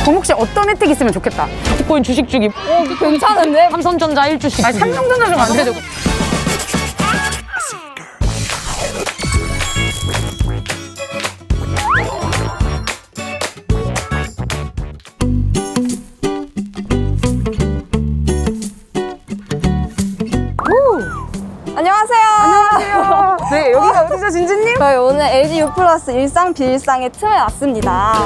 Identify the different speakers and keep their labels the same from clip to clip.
Speaker 1: 그럼 혹시 어떤 혜택이 있으면 좋겠다?
Speaker 2: 비트코인 주식 주기.
Speaker 3: 괜찮은데?
Speaker 2: 삼성전자 1주씩.
Speaker 1: 아니, 삼성전자 좀 안 되죠?
Speaker 3: 안녕하세요.
Speaker 1: 안녕하세요. 네, 여기가 어디죠, 진진님?
Speaker 3: 저희 오늘 LG U 플러스 일상 비일상의 틈에 왔습니다.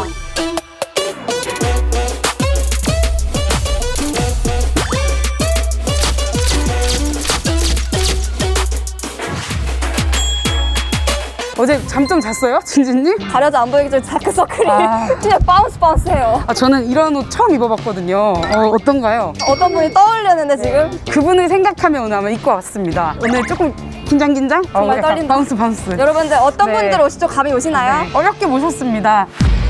Speaker 1: 어제 잠 좀 잤어요, 진진님?
Speaker 3: 가려져 안 보이기 전에 다크서클이
Speaker 1: 아.
Speaker 3: 진짜 바운스해요.
Speaker 1: 저는 이런 옷 처음 입어봤거든요. 어떤가요?
Speaker 3: 어떤 분이 떠올렸는데 지금?
Speaker 1: 그분을 생각하며 오늘 아마 입고 왔습니다. 오늘 조금 긴장?
Speaker 3: 정말
Speaker 1: 약간
Speaker 3: 떨린다.
Speaker 1: 바운스.
Speaker 3: 여러분들 어떤
Speaker 1: 네.
Speaker 3: 분들 오시죠? 감이 오시나요?
Speaker 1: 어렵게 모셨습니다.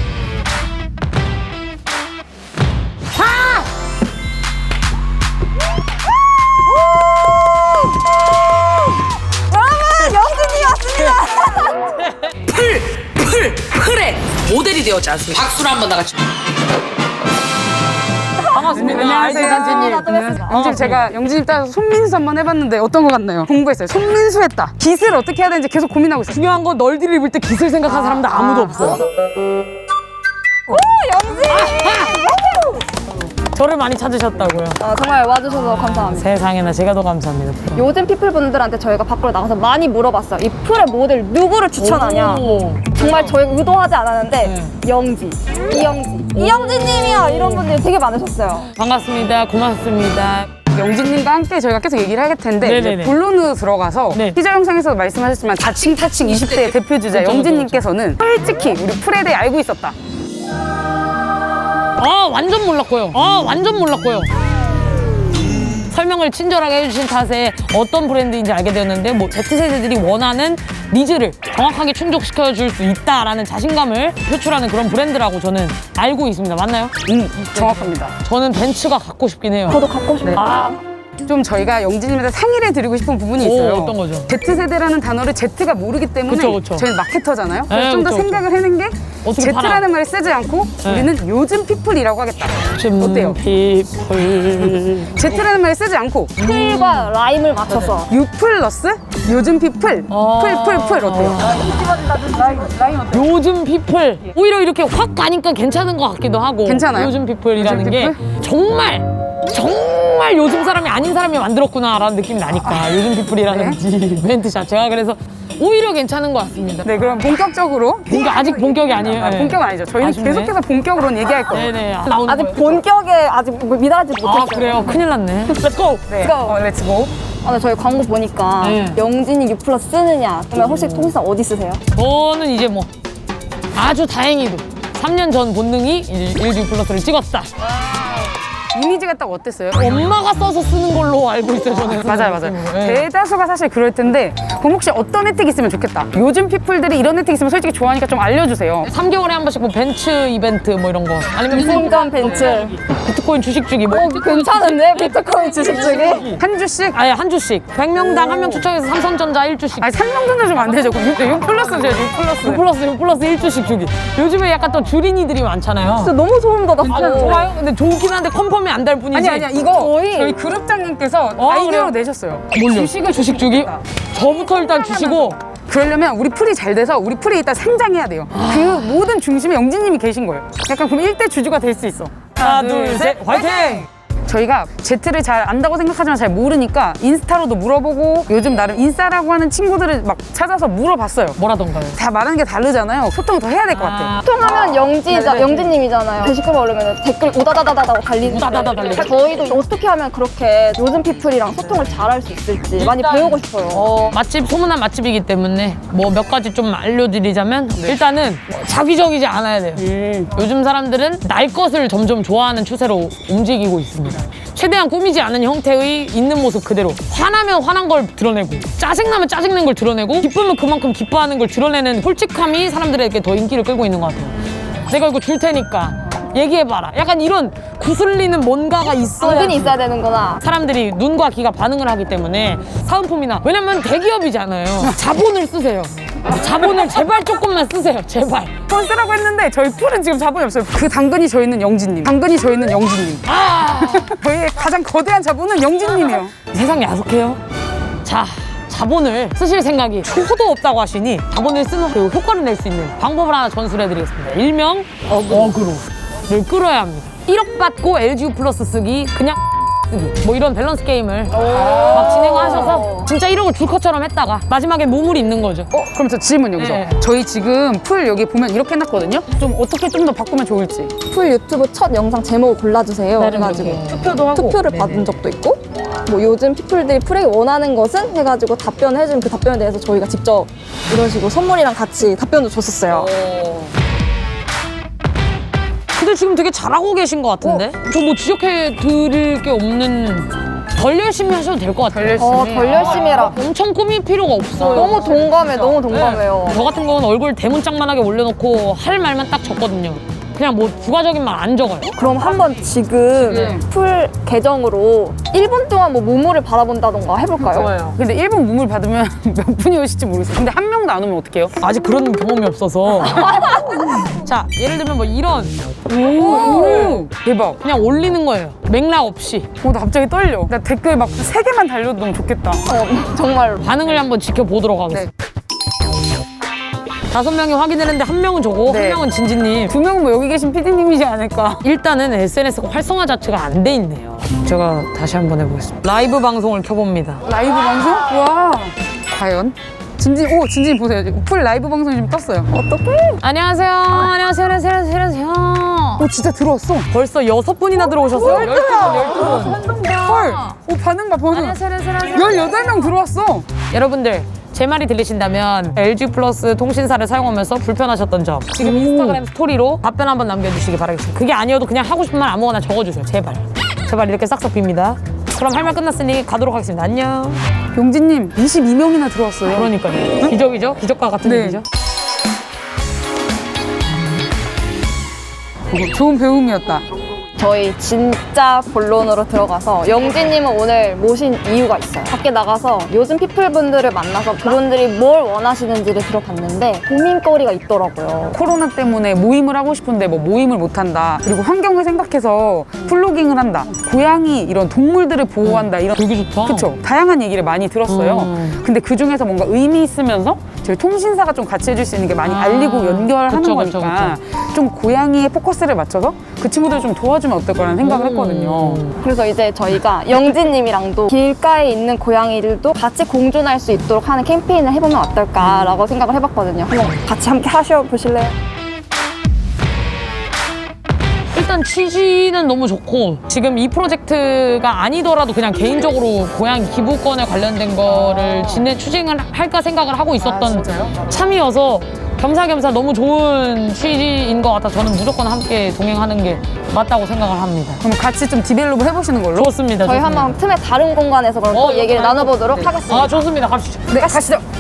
Speaker 3: 여러분 영진이 왔습니다.
Speaker 4: 풀의 모델이 되었지 않습니까? 박수로 한번 나같이.
Speaker 2: 반갑습니다.
Speaker 1: 안녕하세요,
Speaker 3: 나도
Speaker 1: 진진님.
Speaker 3: 뵙습니다.
Speaker 1: 영진, 제가 영진님 따라서 손민수 한번 해봤는데 어떤 것 같나요? 공부했어요. 손민수 했다. 깃을 어떻게 해야 되는지 계속 고민하고 있어요.
Speaker 2: 중요한 건 널디를 입을 때 기술 생각하는 사람도 아무도 없어요.
Speaker 3: 영진!
Speaker 2: 저를 많이 찾으셨다고요.
Speaker 3: 정말 와주셔서 감사합니다.
Speaker 2: 세상에나 제가 더 감사합니다.
Speaker 3: 요즘 피플분들한테 저희가 밖으로 나가서 많이 물어봤어요. 이 풀의 모델 누구를 추천하냐?
Speaker 2: 오.
Speaker 3: 정말 저희가 의도하지 않았는데
Speaker 2: 네.
Speaker 3: 영지, 이영지님이야 이런 분들이 되게 많으셨어요.
Speaker 2: 반갑습니다. 고맙습니다.
Speaker 1: 영진님과 함께 저희가 계속 얘기를 하겠 텐데
Speaker 2: 네네네.
Speaker 1: 이제 본론으로 들어가서
Speaker 2: 네.
Speaker 1: 티저 영상에서도 말씀하셨지만 자칭 20대 대표주자
Speaker 2: 그쵸,
Speaker 1: 영진님께서는 솔직히 우리 풀에 대해 알고 있었다.
Speaker 2: 완전 몰랐고요. 설명을 친절하게 해주신 탓에 어떤 브랜드인지 알게 되었는데 뭐 Z세대들이 원하는 니즈를 정확하게 충족시켜줄 수 있다라는 자신감을 표출하는 그런 브랜드라고 저는 알고 있습니다. 맞나요?
Speaker 1: 정확합니다.
Speaker 2: 저는 벤츠가 갖고 싶긴 해요.
Speaker 3: 저도 갖고 싶어요.
Speaker 1: 좀 저희가 영진님한테 상의를 드리고 싶은 부분이
Speaker 2: 오,
Speaker 1: 있어요.
Speaker 2: 어떤 거죠?
Speaker 1: Z세대라는 단어를 Z가 모르기 때문에
Speaker 2: 그쵸.
Speaker 1: 저희는 마케터잖아요.
Speaker 2: 네,
Speaker 1: 좀 더
Speaker 2: 그쵸.
Speaker 1: 생각을 해낸 게
Speaker 2: 어떻게 팔아?
Speaker 1: Z라는 말을 쓰지 않고
Speaker 2: 네.
Speaker 1: 우리는 요즘 피플이라고 하겠다. 어때요?
Speaker 2: 피플.
Speaker 1: Z라는 말을 쓰지 않고
Speaker 3: 풀과 라임을 맞춰서
Speaker 1: U 플러스 요즘 피플 풀 어때요?
Speaker 2: 요즘 피플. 오히려 이렇게 확 가니까 괜찮은 것 같기도 하고.
Speaker 1: 괜찮아요?
Speaker 2: 요즘 피플이라는
Speaker 1: 요즘
Speaker 2: 게
Speaker 1: 피플?
Speaker 2: 정말 요즘 사람이 아닌 사람이 만들었구나라는 느낌이 나니까 요즘 피플이라는 이 멘트 자체가 그래서 오히려 괜찮은 것 같습니다.
Speaker 1: 네, 그럼 본격적으로
Speaker 2: 아직 본격이 아니에요. 네.
Speaker 1: 본격은 아니죠. 저희는
Speaker 2: 아쉽네.
Speaker 1: 계속해서 본격으로는 얘기할 거예요.
Speaker 2: 네네. 나오는
Speaker 3: 아직
Speaker 2: 거예요.
Speaker 3: 본격에 아직 미달하지 못했어요.
Speaker 2: 아 그래요? 큰일 났네. Let's go.
Speaker 1: 네,
Speaker 3: go.
Speaker 1: 렛츠고.
Speaker 3: 근데 저희 광고 보니까
Speaker 2: 네.
Speaker 3: 영진이 U 플러스 쓰느냐? 그러면 혹시 통신사 어디 쓰세요?
Speaker 2: 저는 이제 뭐 아주 다행히도 3년 전 본능이 이제 LG 플러스를 찍었다.
Speaker 1: 이미지가 딱 어땠어요?
Speaker 2: 엄마가 써서 쓰는 걸로 알고 있어요, 저는.
Speaker 1: 맞아요.
Speaker 2: 네.
Speaker 1: 대다수가 사실 그럴 텐데 그럼 혹시 어떤 혜택이 있으면 좋겠다. 요즘 피플들이 이런 혜택 있으면 솔직히 좋아하니까 좀 알려주세요.
Speaker 2: 3개월에 한 번씩 뭐 벤츠 이벤트 뭐 이런 거 아니면
Speaker 3: 순간 벤츠.
Speaker 2: 비트코인 주식 주기 뭐
Speaker 3: 괜찮은데? 비트코인 주식 주기?
Speaker 1: 한 주씩?
Speaker 2: 아예 한 주씩 100명당 한 명 추첨해서 삼성전자 1주씩
Speaker 1: 아니 삼성전자 좀 안 되죠. 그럼 6 플러스 줘야죠. 6 플러스.
Speaker 2: 6 플러스 1주씩 주기. 요즘에 약간 또 줄이니들이 많잖아요.
Speaker 3: 진짜 너무 소름 돋았어요.
Speaker 2: 좋아요. 근데 좋긴 한데 컨펌이 안 될 뿐이지.
Speaker 1: 아니야 이거
Speaker 3: 거의-
Speaker 1: 저희 그룹장님께서
Speaker 2: 그래요?
Speaker 1: 아이디어로 내셨어요.
Speaker 2: 뭘요?
Speaker 1: 주식을
Speaker 2: 주식 주기? 저부터 일단 주시고
Speaker 1: 그러려면 우리 풀이 잘 돼서 우리 풀이 일단 상장해야 돼요. 그 모든 중심에 영진님이 계신 거예요. 약간 그럼 1대 주주가 될 수 있어.
Speaker 2: 하나 둘 셋 화이팅!
Speaker 1: 저희가 Z를 잘 안다고 생각하지만 잘 모르니까 인스타로도 물어보고 요즘 나름 인싸라고 하는 친구들을 막 찾아서 물어봤어요.
Speaker 2: 뭐라던가요?
Speaker 1: 다 말하는 게 다르잖아요. 소통을 더 해야 될 것 같아요.
Speaker 3: 소통하면
Speaker 1: 네네.
Speaker 3: 영진님이잖아요. 게시글 올리면 댓글 우다다다다다고 달리는데
Speaker 2: 우다다다 달리죠.
Speaker 3: 저희도 어떻게 하면 그렇게 요즘 피플이랑 소통을 잘할 수 있을지 많이 배우고 싶어요.
Speaker 2: 맛집 소문난 맛집이기 때문에 뭐 몇 가지 좀 알려드리자면 일단은 자기적이지 않아야 돼요. 요즘 사람들은 날 것을 점점 좋아하는 추세로 움직이고 있습니다. 최대한 꾸미지 않은 형태의 있는 모습 그대로 화나면 화난 걸 드러내고 짜증나면 짜증낸 걸 드러내고 기쁘면 그만큼 기뻐하는 걸 드러내는 솔직함이 사람들에게 더 인기를 끌고 있는 것 같아요. 내가 이거 줄 테니까 얘기해봐라. 약간 이런 구슬리는 뭔가가 있어야
Speaker 3: 당근이 있어야 되는구나.
Speaker 2: 사람들이 눈과 귀가 반응을 하기 때문에 사은품이나 왜냐면 대기업이잖아요. 자본을 쓰세요. 자본을 제발 조금만 쓰세요. 제발.
Speaker 1: 폰 쓰라고 했는데 저희 풀은 지금 자본이 없어요. 그 당근이 저희 있는 영진님. 당근이 저희 있는 영진님. 저희의 가장 거대한 자본은 영진님이에요.
Speaker 2: 세상 야속해요. 자, 자본을 쓰실 생각이 초도 없다고 하시니 자본을 쓰는 그 효과를 낼 수 있는 방법을 하나 전수해드리겠습니다. 일명 어그로를 끌어야 합니다. 1억 받고 LGU 플러스 쓰기, 그냥 쓰기. 뭐 이런 밸런스 게임을 막 진행하셔서 진짜 1억을 줄 것처럼 했다가 마지막에 몸을 입는 거죠.
Speaker 1: 그럼 저 질문 여기서.
Speaker 2: 네.
Speaker 1: 저희 지금 풀 여기 보면 이렇게 해놨거든요. 좀 어떻게 좀 더 바꾸면 좋을지.
Speaker 3: 풀 유튜브 첫 영상 제목을 골라주세요. 그래가지고
Speaker 1: 투표도 하고.
Speaker 3: 투표를 받은 적도 있고 뭐 요즘 피플들이 풀에게 원하는 것은 해가지고 답변을 해주면 그 답변에 대해서 저희가 직접 이런 식으로 선물이랑 같이 답변도 줬었어요.
Speaker 2: 근데 지금 되게 잘하고 계신 것 같은데? 저 뭐 지적해 드릴 게 없는 덜 열심히 하셔도 될 것 같아요.
Speaker 3: 덜 열심히 해라.
Speaker 2: 엄청 꾸밀 필요가 없어요.
Speaker 3: 너무 동감해, 너무 동감해요.
Speaker 2: 저 같은 경우는 얼굴 대문짝만하게 올려놓고 할 말만 딱 적거든요. 그냥 뭐 부가적인 말 안 적어요.
Speaker 3: 그럼 한번 지금 풀 계정으로 1분 동안 뭐 무무를 바라본다던가 해볼까요?
Speaker 1: 근데 1분 무물 받으면 몇 분이 오실지 모르겠어요. 근데 한 명도 안 오면 어떡해요?
Speaker 2: 아직 그런 경험이 없어서. 자, 예를 들면 뭐 이런
Speaker 1: 오, 대박.
Speaker 2: 그냥 올리는 거예요. 맥락 없이.
Speaker 1: 나 갑자기 떨려. 나 댓글 막 3개만 달려도 너무 좋겠다.
Speaker 3: 정말로.
Speaker 2: 반응을 한번 지켜보도록 하겠습니다. 5명이 확인을 했는데 1명은 저고
Speaker 1: 네.
Speaker 2: 1명은 진지님.
Speaker 1: 2명은 뭐 여기 계신 PD님이지 않을까.
Speaker 2: 일단은 SNS가 활성화 자체가 안 돼 있네요. 제가 다시 한번 해보겠습니다. 라이브 방송을 켜봅니다.
Speaker 1: 라이브 방송? 와. 과연? 진진 보세요. 지금 풀 라이브 방송이 지금 떴어요.
Speaker 2: 안녕하세요. 안녕하세요.
Speaker 1: 진짜 들어왔어.
Speaker 2: 벌써 6분이나 들어오셨어요? 12분.
Speaker 1: 헐. 반응 봐, 반응. 18명 들어왔어.
Speaker 2: 여러분들, 제 말이 들리신다면 LG 플러스 통신사를 사용하면서 불편하셨던 점 지금 인스타그램 스토리로 답변 한번 남겨주시기 바라겠습니다. 그게 아니어도 그냥 하고 싶은 말 아무거나 적어주세요. 제발. 제발 이렇게 싹싹 빕니다. 그럼 할 말 끝났으니 가도록 하겠습니다. 안녕.
Speaker 1: 용진님 22명이나 들어왔어요.
Speaker 2: 그러니까요. 기적이죠? 기적과 같은
Speaker 1: 네.
Speaker 2: 일이죠?
Speaker 1: 좋은 배움이었다.
Speaker 3: 저희 진짜 본론으로 들어가서 영진님은 오늘 모신 이유가 있어요. 밖에 나가서 요즘 피플분들을 만나서 그분들이 뭘 원하시는지를 들어봤는데 고민거리가 있더라고요.
Speaker 1: 코로나 때문에 모임을 하고 싶은데 뭐 모임을 못한다. 그리고 환경을 생각해서 플로깅을 한다. 고양이 이런 동물들을 보호한다. 이런
Speaker 2: 되게 좋다.
Speaker 1: 그쵸. 다양한 얘기를 많이 들었어요. 근데 그 중에서 뭔가 의미 있으면서 저희 통신사가 좀 같이 해줄 수 있는 게 많이 알리고 연결하는
Speaker 2: 그쵸,
Speaker 1: 거니까 좀 고양이에 포커스를 맞춰서 그 친구들 좀 도와주면 어떨 거라는 생각을 했거든요.
Speaker 3: 그래서 이제 저희가 영진님이랑도 길가에 있는 고양이들도 같이 공존할 수 있도록 하는 캠페인을 해보면 어떨까라고 생각을 해봤거든요. 한번 같이 함께 하셔보실래요?
Speaker 2: 일단 취지는 너무 좋고 지금 이 프로젝트가 아니더라도 그냥 개인적으로 고양이 기부권에 관련된 거를 추진을 할까 생각을 하고 있었던 참이어서 겸사겸사 너무 좋은 취지인 것 같아 저는 무조건 함께 동행하는 게 맞다고 생각을 합니다.
Speaker 1: 그럼 같이 좀 디벨롭을 해보시는 걸로?
Speaker 2: 좋습니다.
Speaker 3: 저희
Speaker 2: 좋습니다.
Speaker 3: 한번 틈의 다른 공간에서 그럼 또 얘기를 나눠보도록 하겠습니다.
Speaker 2: 아 좋습니다. 갑시다.
Speaker 1: 네, 가시죠.